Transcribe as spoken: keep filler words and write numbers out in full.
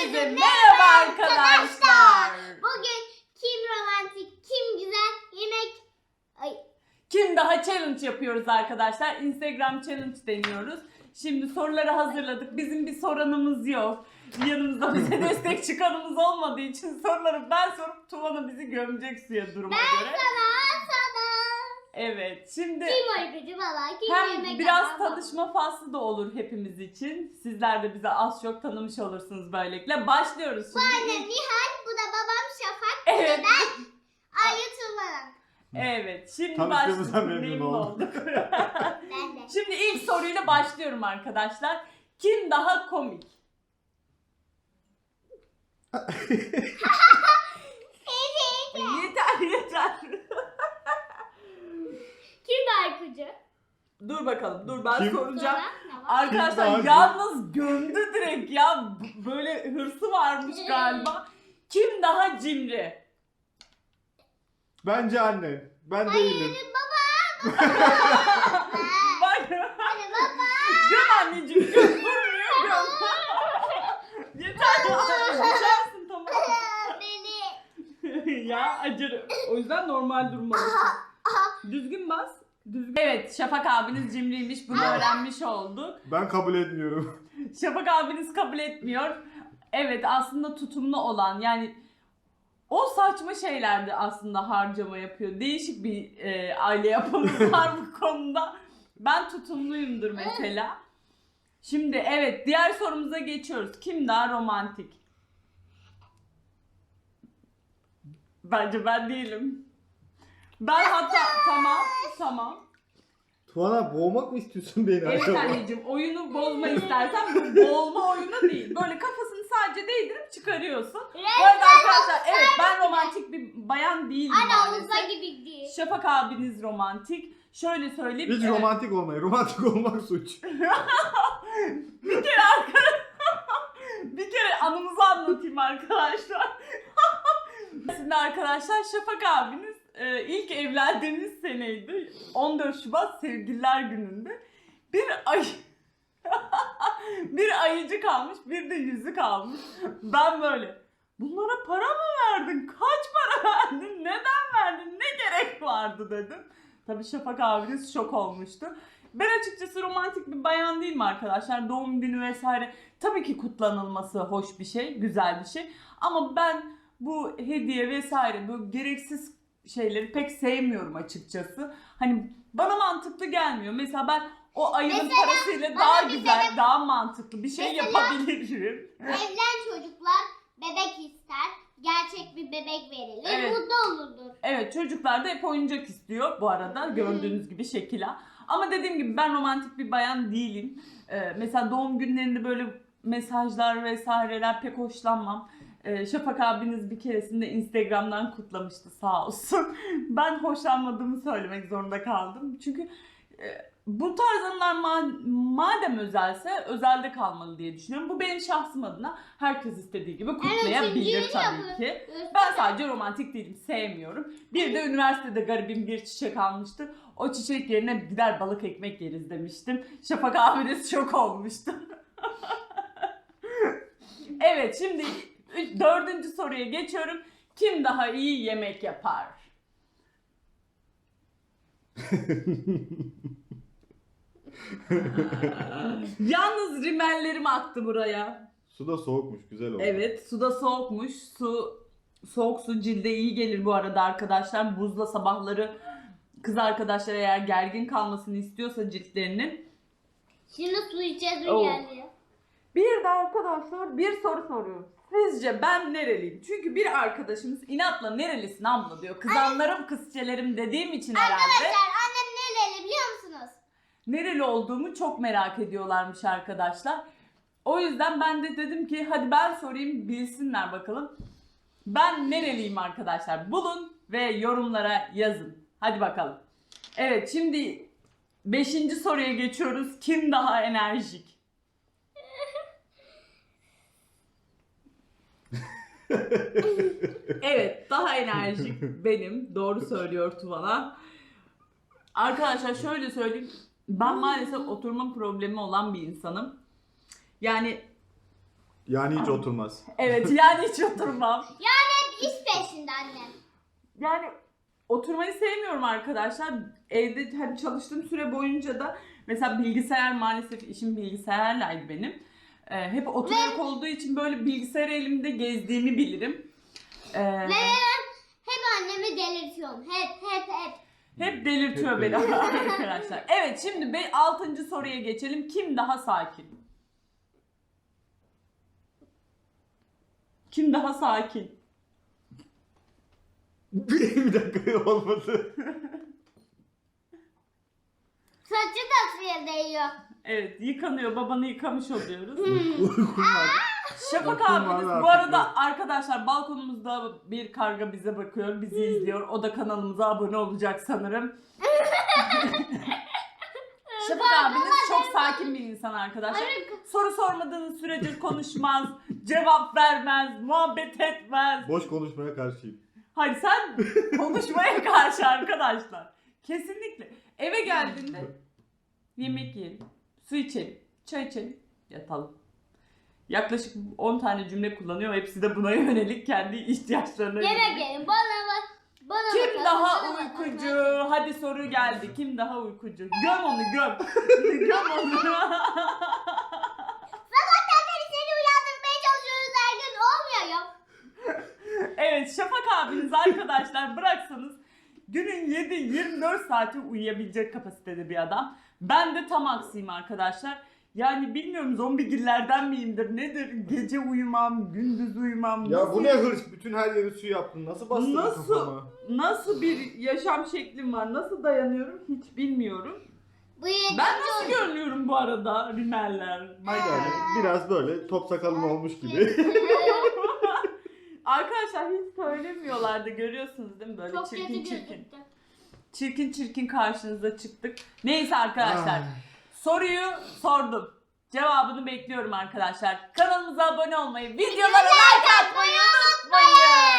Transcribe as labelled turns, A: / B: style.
A: Herkese merhaba arkadaşlar.
B: Bugün kim romantik, kim güzel yemek... Ay.
A: Kim daha challenge yapıyoruz arkadaşlar. Instagram challenge deniyoruz. Şimdi soruları hazırladık. Bizim bir soranımız yok. Yanımızda bize destek çıkanımız olmadığı için soruları ben sorup Tuvan'a bizi gömecek suya duruma
B: ben
A: göre.
B: Ben sana, sana.
A: Evet, şimdi
B: Kim oyuncu valla, kim
A: hem
B: yemek
A: biraz
B: yapar,
A: tanışma faslı da olur hepimiz için. Sizler de bize az çok tanımış olursunuz böylelikle. Başlıyoruz
B: Bu
A: şimdi.
B: annem Nihal, bu da babam Şafak,
A: Evet.
B: bu da ben Ayı Tuğla.
A: Evet, şimdi
C: Tanıştığımıza
A: başlıyoruz.
C: memnun
A: Memnun
C: oldum.
A: olduk.
B: Ben de.
A: Şimdi ilk soruyla başlıyorum arkadaşlar. Kim daha komik? yeter yeter.
B: Kim Aykucu?
A: Dur bakalım, dur ben
C: Kim?
A: soracağım.
B: Sonra ne var?
A: Arkadaşlar
C: Kim daha
A: yalnız gömdü direkt ya. B- Böyle hırsı varmış galiba. Kim daha cimri?
C: Bence anne. Ben değilim.
B: Baba.
A: Bak.
B: Hadi baba.
A: Göm anneciğim göm. Durmuyor göm. Yeter ya. Düşersin tamam.
B: Beni.
A: ya acır. O yüzden normal durmalısın. Düzgün bas. Düzgün. Evet, Şafak abiniz cimriymiş. Bunu öğrenmiş olduk.
C: Ben kabul etmiyorum.
A: Şafak abiniz kabul etmiyor. Evet, aslında tutumlu olan, yani o saçma şeylerde aslında harcama yapıyor. Değişik bir e, aile yapımız var bu konuda. Ben tutumluyumdur mesela. Şimdi evet, diğer sorumuza geçiyoruz. Kim daha romantik? Bence ben değilim. Ben hatta tamam tamam.
C: Tuana boğmak mı istiyorsun beni
A: Evet
C: acaba?
A: anneciğim, oyunu bozma istersen, bu boğulma oyunu değil. Böyle kafasını sadece değdirip çıkarıyorsun. Bu arada arkadaşlar evet, ben romantik bir bayan değilim
B: Anne havuza
A: maalesef.
B: gibi değil.
A: Şafak abiniz romantik. Şöyle söyleyeyim.
C: Hiç
A: evet,
C: romantik olmayın. Romantik olmak suç.
A: bir kere arkadaşlar bir kere anımızı anlatayım arkadaşlar. Şimdi arkadaşlar Şafak abiniz e, ilk evlendiğimiz seneydi. on dört Şubat Sevgililer Günü'nde. Bir ay bir ayıcı kalmış, bir de yüzük almış. Ben böyle, bunlara para mı verdin? Kaç para verdin? Neden verdin? Ne gerek vardı dedim. Tabii Şafak abiniz şok olmuştu. Ben açıkçası romantik bir bayan değilim arkadaşlar. Doğum günü vesaire tabii ki kutlanılması hoş bir şey, güzel bir şey. Ama ben bu hediye vesaire, bu gereksiz şeyleri pek sevmiyorum açıkçası. Hani bana mantıklı gelmiyor. Mesela ben o ayının
B: Mesela
A: parasıyla
B: bana
A: daha
B: bir
A: güzel,
B: sebep-
A: daha mantıklı bir şey
B: Mesela-
A: yapabilirim.
B: Evlen çocuklar bebek ister. Gerçek bir bebek verilir.
A: Evet.
B: Mutlu olurdur.
A: Evet, çocuklar da hep oyuncak istiyor bu arada, gördüğünüz gibi şekila. Ama dediğim gibi ben romantik bir bayan değilim. Ee, mesela doğum günlerinde böyle mesajlar vesaireler pek hoşlanmam. Ee, Şafak abiniz bir keresinde Instagram'dan kutlamıştı sağ olsun. Ben hoşlanmadığımı söylemek zorunda kaldım. Çünkü e, bu tarz anılar ma- madem özelse özelde kalmalı diye düşünüyorum. Bu benim şahsım adına. Herkes istediği gibi kutlayabilir
B: üçüncüyü
A: tabii
B: yapın.
A: ki. Ben sadece romantik değilim, sevmiyorum. Bir de üniversitede garibim bir çiçek almıştı. O çiçek yerine gider balık ekmek yeriz demiştim. Şafak abiniz şok olmuştu. Evet, şimdi üç- dördüncü soruya geçiyorum. Kim daha iyi yemek yapar? Yalnız rimellerim aktı buraya.
C: Su da soğukmuş. Güzel oldu.
A: Evet, suda soğukmuş. Su soğuk su cilde iyi gelir bu arada arkadaşlar. Buzla sabahları kız arkadaşlar eğer gergin kalmasını istiyorsa ciltlerinin.
B: Şimdi su içeceğiz
A: Oo.
B: geldi.
A: Bir de arkadaşlar bir soru soruyorum. Sizce ben nereliyim? Çünkü bir arkadaşımız inatla nerelisin abla diyor. Kızanlarım kızçelerim dediğim için herhalde.
B: Arkadaşlar annem nereli biliyor musunuz?
A: Nereli olduğumu çok merak ediyorlarmış arkadaşlar. O yüzden ben de dedim ki hadi ben sorayım, bilsinler bakalım. Ben nereliyim arkadaşlar? Bulun ve yorumlara yazın. Hadi bakalım. Evet, şimdi beşinci soruya geçiyoruz. Kim daha enerjik? Evet, daha enerjik benim. Doğru söylüyor Tuvala. Arkadaşlar şöyle söyleyeyim. Ben maalesef oturma problemi olan bir insanım. Yani
C: Yani hiç oturmaz.
A: Evet yani hiç oturmam.
B: Hep iş peşinde annem.
A: Yani oturmayı sevmiyorum arkadaşlar. Evde hani çalıştığım süre boyunca da mesela bilgisayar, maalesef işim bilgisayarlaydı benim. Ee, hep oturarak olduğu için böyle bilgisayar elimde gezdiğimi bilirim. Ee,
B: Ve hep annemi delirtiyorum. Hep hep hep.
A: hep delirtiyor
C: Hep
A: beni
C: delirtiyor.
A: arkadaşlar. Evet, şimdi be altıncı soruya geçelim. Kim daha sakin? Kim daha sakin?
C: Bir dakika olmadı.
B: Saçı da suya değiyor.
A: Evet, yıkanıyor. Babanı yıkamış oluyoruz.
C: Uykum var.
A: Şafak
C: Uykum
A: abimiz
C: var
A: bu
C: artık
A: arada arkadaşlar balkonumuzda bir karga bize bakıyor, bizi izliyor. O da kanalımıza abone olacak sanırım. Şafak abiniz çok sakin bir insan arkadaşlar. Soru sormadığınız sürece konuşmaz, cevap vermez, muhabbet etmez.
C: Boş konuşmaya karşıyım.
A: Hayır, sen konuşmaya karşı arkadaşlar. Kesinlikle. Eve geldiğinde yemek yiyelim, su içelim, çay içelim, yatalım. Yaklaşık on tane cümle kullanıyor. Hepsi de buna yönelik kendi ihtiyaçlarına
B: Yemek
A: yönelik.
B: yiyin. Bana bak. Bana
A: Kim
B: bakalım,
A: daha
B: bana bakalım.
A: uykucu? Hadi soru geldi. Kim daha uykucu? Göm onu göm. Göm onu.
B: Sabahtan beri seni uyandırmaya çalışıyoruz her gün. Olmuyor ya.
A: Evet, Şafak abiniz arkadaşlar bıraksanız günün yedi yirmi dört saati uyuyabilecek kapasitede bir adam. Ben de tam aksiyim arkadaşlar. Yani bilmiyorum, zombigillerden miyimdir nedir? Gece uyumam, gündüz uyumam.
C: Ya
A: Nasıl-
C: bu ne hırs? Bütün her yeri su yaptın. Nasıl bastın
A: Nasıl?
C: kafama?
A: Nasıl bir yaşam şeklim var? Nasıl dayanıyorum hiç bilmiyorum.
B: Bu yedi
A: Ben nasıl görünüyorum bu arada? Rimeller,
C: Yani
A: makyaj.
C: biraz böyle top sakalın olmuş gibi.
A: Arkadaşlar hiç söylemiyorlardı, görüyorsunuz değil mi? Böyle
B: Çok
A: çirkin
B: kötü
A: çirkin.
B: gözüktü.
A: Çirkin çirkin karşınıza çıktık. Neyse arkadaşlar.
C: Ay.
A: Soruyu sordum. Cevabını bekliyorum arkadaşlar. Kanalımıza abone olmayı, videolara like atmayı unutmayın.